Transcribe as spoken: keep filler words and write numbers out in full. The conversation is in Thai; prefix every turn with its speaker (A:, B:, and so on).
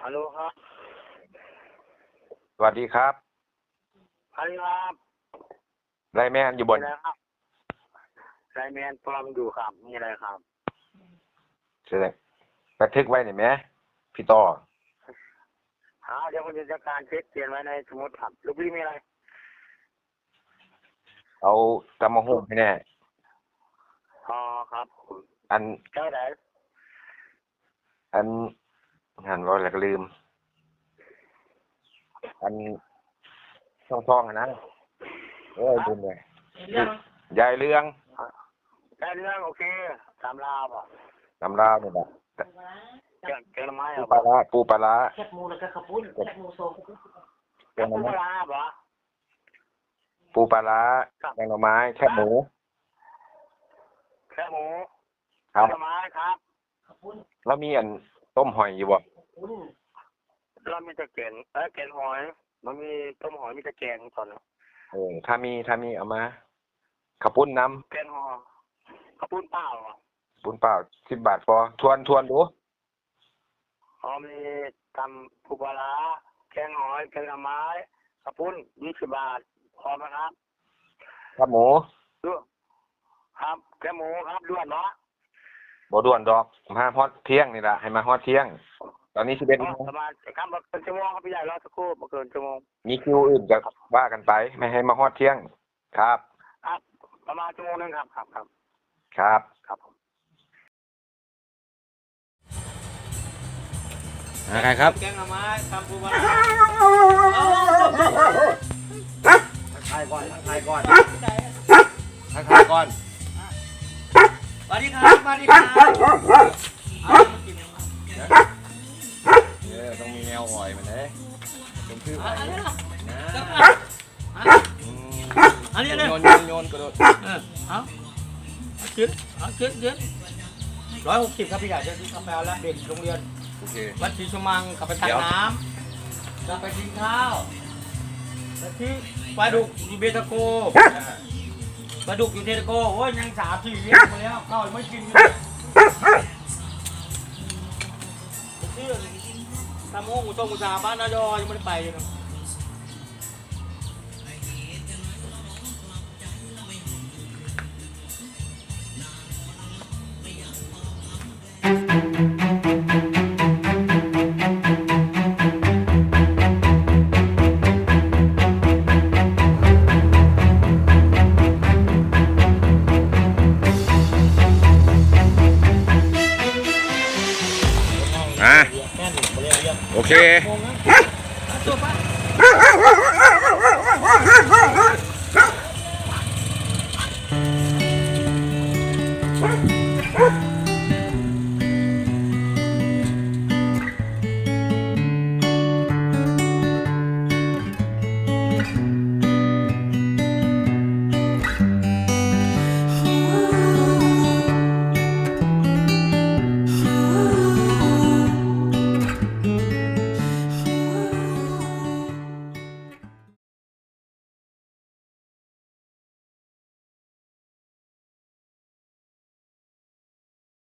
A: ฮัลโหลครับ
B: สวัสดีครับ
A: ฮัลโหลครับ
B: ไลแมนอยู่บน
A: อะไรครับไลแมนปลอมอยู่ครับมีอะไรครับ
B: เสร็จบันทึกไว้หน่อยไหมพี่ต่อ
A: หาเดี๋ยวผมจะจัดการเช็คเขียนไว้ในสมุดครับลูกพี่มีอะไร
B: เอาตำมะฮุ่งให้แน่
A: อ๋อครับ
B: อัน
A: ใช่ไหม
B: อันหันว่าอะไรก็ลืมอันท่องท่องนะโอ้ยลืมเลยยายเรื่อง
A: ใช่เรื่องโอเคตามลาบอ่ะ
B: ตำราวเนี่ยแบบ
A: เกี่ยวเกี่ยวไม้อ่ะ
B: ปูปลาร้าปูปลาร้า
C: แคบหมูแล้วก็ข้าวปุ้นแคบหมูโซ่
A: แค่ปูปลาบอ่ะ
B: ปูปลาร้าแกงหน่อไม้แคบหมู
A: แค่หมู
B: ครับ
A: ไม้ครับ
B: แล้วมีอันต้มหอยอยู่บ่
A: เรามีตะเกียนเอ้ยแกงหอยมันมีต้มหอยมีตะแกงก่อนนะ
B: เออถ้ามีถ้ามีเอามาขับปุ้นน้
A: แกงหอยข้าวปุ้นเปล่าอ่ะ
B: ำปุ้นเปล่าสิบบาทพอทวนทวนดู
A: อ๋อมีทำปูปลาแกงหอยแกงหน่อไม้ข้าวปุ้นยี่สิบบาทพอไหมครับ
B: ครับหมู
A: ด้วยครับแกงหมูครับด้วนเนาะ
B: บ่ด่วนดอกมาฮอดเที่ยงนี่แหละให้มาฮอดเที่ยงตอนนี้สิบเอ็ดโมง
A: ประมาณครับมาเกินชั่วโมงครับพี่ใหญ่รอสักครู่มาเกินชั่วโมง
B: มีคิวอื่นจะว่ากันไปไม่ให้มาฮอดเที่ยงครับ
A: ครับประมาณชั่วโมงนึงครับครับครับ
B: ครับ
A: ครับผม
B: ใครครับ
C: แกงหน่อไม้ทำปูปลา
B: ทายก่อนทายก่อนทายก่อน
C: สวัสดีครับสวัสดีครับ
B: เออต้องมีแนวหอยมันเลยเป็นชื่อหอยนะ
C: อันนี้
B: โยนโยนโยนกระโดด
C: เออเอาคิดเอาคิดคิดร้อยหกสิบครับพี่ใหญ่จะซื้อกาแฟแล้วเด็กโรงเรียน
B: โอเค
C: วัดศรีชมังกลับไปตักน้ำกลับไปกินข้าวไปที่ปลาดุกอยู่เบตาโกปลาดุกอยู่เทตาโกโอ้ยยังสามสี่เลี้ยงมาแล้วข้าวไม่กินชื่อทำห้องอุตมอุตสาหบ้านนายอยังไม่ได้ไปเลยนะ
B: อ่ะโอเค